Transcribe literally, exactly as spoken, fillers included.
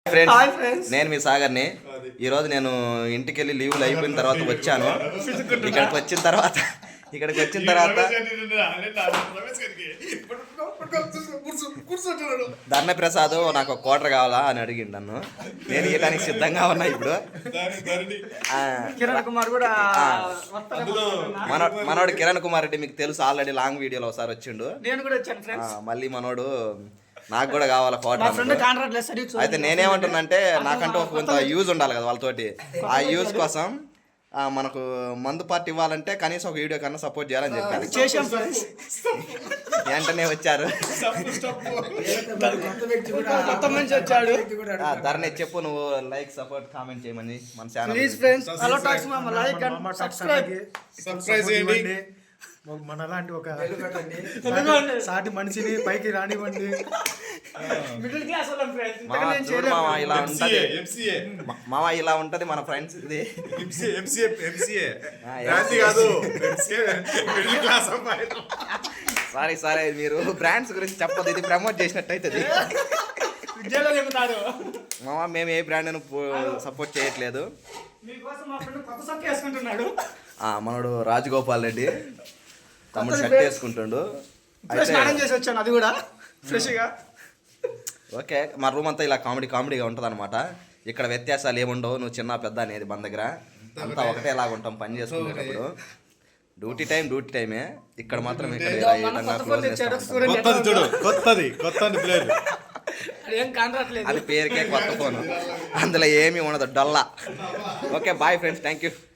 Friends నేను మీ సాగర్ని ఈరోజు నేను ఇంటికి వెళ్ళి లీవ్లు అయిపోయిన తర్వాత వచ్చాను. ఇక్కడికి వచ్చిన తర్వాత ఇక్కడికి వచ్చిన తర్వాత ధర్ణ ప్రసాద్ నాకు ఒక కోటర్ కావాలా అని అడిగిండు నన్ను. నేను ఇవ్వడానికి సిద్ధంగా ఉన్నా. ఇప్పుడు కిరణ్ కుమార్ కూడా మన మనోడు కిరణ్ కుమార్ రెడ్డి మీకు తెలుసు, ఆల్రెడీ లాంగ్ వీడియోలో ఒకసారి వచ్చిండు. నేను కూడా వచ్చాను ఫ్రెండ్స్. మళ్ళీ మనోడు నాకు కూడా కావాలా కోటర్. అయితే నేనేమంటున్నానంటే నాకంటూ ఒక కొంత యూజ్ ఉండాలి కదా వాళ్ళతోటి. ఆ యూజ్ కోసం మనకు మందు పార్టీ ఇవ్వాలంటే కనీసం ఒక వీడియో కన్నా సపోర్ట్ చేయాలని చెప్పారు. చేశాం ఫ్రెండ్స్. వెంటనే వచ్చారు. కొత్త మనిషి వచ్చాడు. ధరణి చెప్పు నువ్వు లైక్ సపోర్ట్ కామెంట్ చేయమని మన channel. Please friends hello talks మామ లైక్ అండ్ సబ్స్క్రైబ్ సబ్స్క్రైబ్ చేయండి. మనలాంటి ఒక సాటి మనిషిని పైకి రానివ్వండి. మిడిల్ క్లాస్ వాళ్ళం ఫ్రెండ్స్. మామ ఇలా ఉంటది మామ ఇలా ఉంటది మన ఫ్రెండ్స్. ఇది సారీ సారీ మీరు బ్రాండ్స్ గురించి చెప్పదు, ఇది ప్రమోట్ చేసినట్టు అవుతుంది. విద్యలో చెబుతారు మామ మేము ఏ బ్రాండ్ సపోర్ట్ చేయట్లేదు. మీకోసం మా ఫ్రెండ్ కొత్త సొక్క వేసుకుంటున్నాడు. మనోడు రాజగోపాల్ రెడ్డి తమ్ముడు షర్ట్ వేసుకుంటుండు. స్నానం చేసి వచ్చాను, అది కూడా ఫ్రెష్గా. ఓకే, మా రూమ్ అంతా ఇలా కామెడీ కామెడీగా ఉంటుంది అనమాట. ఇక్కడ వ్యత్యాసాలు ఏముండవు, నువ్వు చిన్న పెద్ద అనేది మన దగ్గర అంతా ఒకటేలాగా ఉంటాం పని చేసుకునేటప్పుడు. డ్యూటీ టైం డ్యూటీ టైమే. ఇక్కడ మాత్రం ఇక్కడ అది పేరుకే కొత్త ఫోన్, అందులో ఏమీ ఉండదు, డొల్లా. Okay bye friends, thank you.